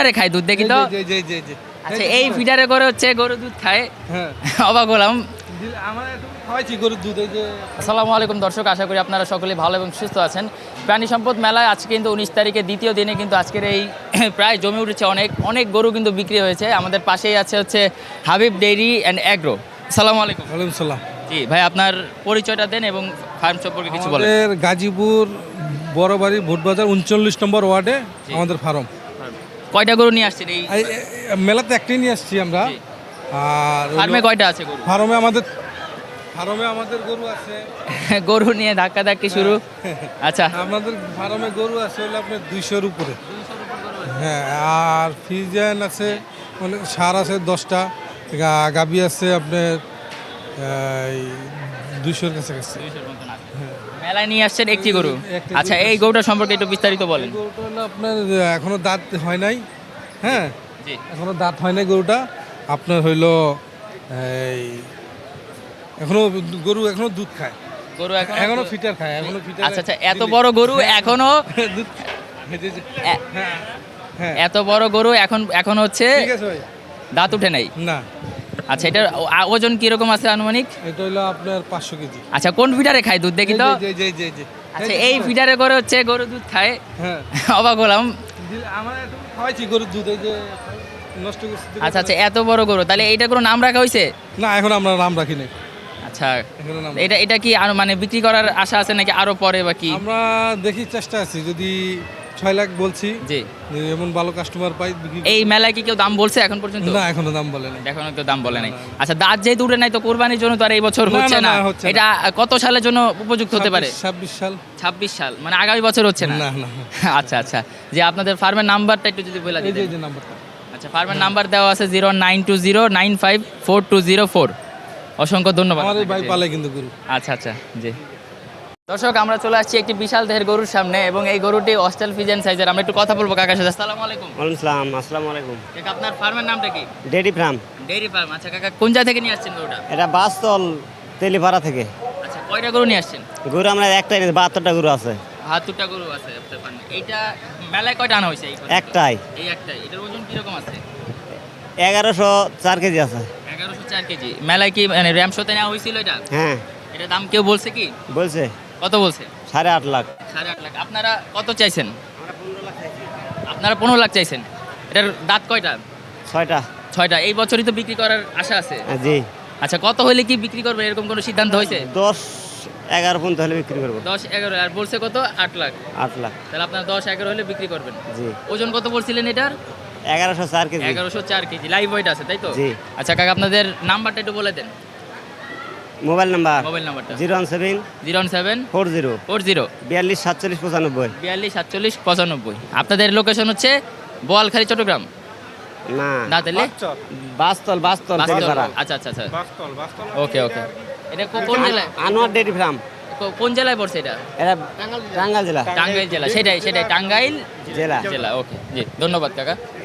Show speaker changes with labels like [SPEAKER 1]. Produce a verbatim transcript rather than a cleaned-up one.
[SPEAKER 1] আরে খায় দুধ দেখি তো।
[SPEAKER 2] জি জি জি জি
[SPEAKER 1] আচ্ছা এই ফিডারে করে হচ্ছে গরু দুধ খায়,
[SPEAKER 2] হ্যাঁ
[SPEAKER 1] অবাক হলাম।
[SPEAKER 2] আমরা একটু খাওয়াইছি গরুর দুধ এই যে।
[SPEAKER 1] আসসালামু আলাইকুম দর্শক, আশা করি আপনারা সকলে ভালো এবং সুস্থ আছেন। প্রাণী সম্পদ মেলায় আজকে কিন্তু উনিশ তারিখে দ্বিতীয় দিনে কিন্তু আজকের এই প্রায় জমে উঠেছে, অনেক অনেক গরু কিন্তু বিক্রি হয়েছে। আমাদের পাশেই আছে হচ্ছে হাবিব ডেইরি অ্যান্ড অ্যাগ্রো। আসসালামু আলাইকুম।
[SPEAKER 2] ওয়ালাইকুম সালাম।
[SPEAKER 1] জি ভাই, আপনার পরিচয়টা দেন এবং ফার্ম সম্পর্কে কিছু বলেন।
[SPEAKER 2] আমাদের গাজীপুর বড়বাড়ি ভোটবাজার উনচল্লিশ নম্বর ওয়ার্ডে আমাদের ফার্ম।
[SPEAKER 1] কয়টা গরু নিয়ে আসছেন এই
[SPEAKER 2] এই মেলাতে একটাই নিয়ে আসছি আমরা।
[SPEAKER 1] জি।
[SPEAKER 2] আর
[SPEAKER 1] ফার্মে কয়টা আছে গরু?
[SPEAKER 2] ফার্মে আমাদের ফার্মে আমাদের গরু আছে।
[SPEAKER 1] গরু নিয়ে ধাক্কা ধাক্কি শুরু। আচ্ছা,
[SPEAKER 2] আমাদের ফার্মে গরু আছে হলো আপনার দুইশোর উপরে। হ্যাঁ, আর ফ্রিজেন আছে মানে সার আছে দশটা, গা- গাবি আছে আপনার এই দুইশোর কাছাকাছি।
[SPEAKER 1] মেলায় নিয়ে আসছেন একটি গরু।
[SPEAKER 2] একটি
[SPEAKER 1] আচ্ছা,
[SPEAKER 2] গরু
[SPEAKER 1] এই গরুটা সম্পর্কে একটু বিস্তারিত বলেন।
[SPEAKER 2] এই গরুটা হলো আপনার এখনো দাঁত হয় নাই। হ্যাঁ,
[SPEAKER 1] জি।
[SPEAKER 2] এখনো দাঁত হয় নাই গরুটা। আপনার হইলো এই এখনো গরু এখনো দুধ খায়,
[SPEAKER 1] গরু এখন
[SPEAKER 2] এখনো ফিটার খায়, এখনো ফিটার।
[SPEAKER 1] আচ্ছা আচ্ছা, এত বড় গরু এখনো
[SPEAKER 2] দুধ এই যে- যে-
[SPEAKER 1] এ-
[SPEAKER 2] হ্যাঁ হ্যাঁ
[SPEAKER 1] এত বড় গরু এখন এখন হচ্ছে
[SPEAKER 2] ঠিক আছে ভাই।
[SPEAKER 1] দাঁত উঠে নাই।
[SPEAKER 2] না,
[SPEAKER 1] আচ্ছা, এটার ও- ওজন কিরকম আছে আনুমানিক?
[SPEAKER 2] এটা হইলো আপনার পাঁচশো কেজি।
[SPEAKER 1] আচ্ছা, কোন ফিডারে খায় দুধ দেখি তো।
[SPEAKER 2] জি জি জি জি।
[SPEAKER 1] আচ্ছা, এই ফিডারে করে হচ্ছে গরু দুধ খায়,
[SPEAKER 2] হ্যাঁ,
[SPEAKER 1] অবাক হলাম।
[SPEAKER 2] দিল- আমরা একটু খাওয়াইছি গরুর দুধ এই যে নষ্ট করছি।
[SPEAKER 1] আচ্ছা আচ্ছা, এত বড় গরু, তাহলে এইটা কোনো নাম রাখা হয়েছে?
[SPEAKER 2] না, এখন আমরা নাম রাখি নাই।
[SPEAKER 1] আচ্ছা,
[SPEAKER 2] এখনো নাম
[SPEAKER 1] এটা এটা কি আরো মানে বিক্রি করার আশা আছে নাকি আরো পরে বা কি?
[SPEAKER 2] আমরা দেখি চেষ্টা আছি, যদি ছয় লাখ বলছি,
[SPEAKER 1] জি।
[SPEAKER 2] যে এমন ভালো কাস্টমার পাই বিক্রি করব।
[SPEAKER 1] এই মেলায় কি কেউ দাম বলছে এখন পর্যন্ত?
[SPEAKER 2] না, এখনো দাম বলে নাই।
[SPEAKER 1] এখনো কেউ দাম বলে নাই।
[SPEAKER 2] না, না।
[SPEAKER 1] আচ্ছা, দাঁত যেহেতু উঠে নাই তো কোরবানির জন্য তো আর এই বছর
[SPEAKER 2] না,
[SPEAKER 1] হচ্ছে
[SPEAKER 2] না,
[SPEAKER 1] না।
[SPEAKER 2] না, হচ্ছে না।
[SPEAKER 1] এটা কত সালের জন্য উপযুক্ত হতে পারে?
[SPEAKER 2] ছাব্বিশ সাল।
[SPEAKER 1] ছাব্বিশ সাল মানে আগামী বছর হচ্ছে না।
[SPEAKER 2] না না,
[SPEAKER 1] আচ্ছা আচ্ছা, যে আপনাদের ফার্মের নাম্বারটা একটু যদি বলে
[SPEAKER 2] এই যে
[SPEAKER 1] দিতেন।
[SPEAKER 2] এই যে নাম্বারটা।
[SPEAKER 1] আচ্ছা, ফার্মের নাম্বার দেওয়া আছে zero nine two zero nine five four two zero four. অসংখ্য ধন্যবাদ
[SPEAKER 2] আমার এই
[SPEAKER 1] আপনাকে,
[SPEAKER 2] ভাই
[SPEAKER 1] জি।
[SPEAKER 2] পালে কিন্তু গরু।
[SPEAKER 1] আচ্ছা আচ্ছা, জি। দর্শক, আমরা চলে আসছি একটি বিশাল দেহের গরুর সামনে এবং এই গরুটি অস্ট্রেল ফিজেন সাইজের। আমরা একটু কথা বলবো কাকার সাথে। আসসালামু আলাইকুম।
[SPEAKER 3] ওয়ালাইকুম সালাম। আসসালামু আলাইকুম।
[SPEAKER 1] কাকা, আপনার ফার্মের নামটা কি?
[SPEAKER 3] ডেডি ফার্ম।
[SPEAKER 1] Dairy farm. আচ্ছা কাকা, কোন জায়গা থেকে নিয়ে আসছেন গরুটা?
[SPEAKER 3] এটা বাসতল তেলিপাড়া থেকে।
[SPEAKER 1] আচ্ছা, কয়টা গরু নিয়ে আসছেন?
[SPEAKER 3] গরু আমরা একটাই নিয়েছি, বাহাত্তরটা গরু আছে।
[SPEAKER 1] বাহাত্তরটা গরু আছে আপনার ফার্মে। এইটা মেলায় কয়টা আনা হয়েছে? এই পর্যন্ত?
[SPEAKER 3] একটাই।
[SPEAKER 1] এই একটাই। এটার ওজন কিরকম আছে?
[SPEAKER 3] এগারোশো চার কেজি আছে।
[SPEAKER 1] এগারোশো চার কেজি। মেলায় কি মানে র্যাম শোতে নেওয়া হয়েছিল এটা?
[SPEAKER 3] হ্যাঁ,
[SPEAKER 1] এটা দাম কেউ বলছে কি?
[SPEAKER 3] বলছে
[SPEAKER 1] কত বলছে?
[SPEAKER 3] সাড়ে আট লাখ।
[SPEAKER 1] সাড়ে আট লাখ। আপনারা কত চাইছেন? আপনারা পনেরো লাখ চাইছেন। এটার দাঁত কয়টা?
[SPEAKER 3] ছয়টা।
[SPEAKER 1] ছয়টা। এই বছরই তো বিক্রি করার আশা আছে।
[SPEAKER 3] হ্যাঁ, জি।
[SPEAKER 1] আচ্ছা, কত হলে কি বিক্রি করবে এরকম কোনো সিদ্ধান্ত হয়েছে?
[SPEAKER 3] দশ এগারো পর্যন্ত হলে বিক্রি করবো।
[SPEAKER 1] দশ এগারো। আর বলছে কত? আট লাখ।
[SPEAKER 3] আট লাখ।
[SPEAKER 1] তাহলে আপনার দশ এগারো হলে বিক্রি করবেন।
[SPEAKER 3] জি।
[SPEAKER 1] ওজন কত বলছিলেন এটার?
[SPEAKER 3] এগারোশো চার কেজি।
[SPEAKER 1] এগারোশো চার কেজি। লাইভ ওয়েট আছে তাই তো?
[SPEAKER 3] জি।
[SPEAKER 1] আচ্ছা কাকা, আপনাদের নাম্বারটা একটু বলে দেন।
[SPEAKER 3] মোবাইল নাম্বার
[SPEAKER 1] মোবাইল নাম্বারটা
[SPEAKER 3] zero one seven
[SPEAKER 1] zero seven
[SPEAKER 3] four zero
[SPEAKER 1] four zero
[SPEAKER 3] বিয়াল্লিশ সাতচল্লিশ পঁচানব্বই।
[SPEAKER 1] বিয়াল্লিশ সাতচল্লিশ পঁচানব্বই। আপনাদের লোকেশন হচ্ছে বোয়ালখালী, চট্টগ্রাম
[SPEAKER 3] না,
[SPEAKER 1] না? তাহলে
[SPEAKER 3] বাসতল বাসতল তেলিপাড়া।
[SPEAKER 1] আচ্ছা আচ্ছা আচ্ছা, ওকে ওকে। এটা কো- কোন জেলায়?
[SPEAKER 3] Anwar daddy farm.
[SPEAKER 1] কো- কোন জেলায় পড়ছে এটা?
[SPEAKER 3] এটা টাঙ্গাইল জেলা।
[SPEAKER 1] টাঙ্গাইল জেলা। সেটাই সেটাই টাঙ্গাইল
[SPEAKER 3] জেলা।
[SPEAKER 1] জেলা। ওকে, জি, ধন্যবাদ কাকা।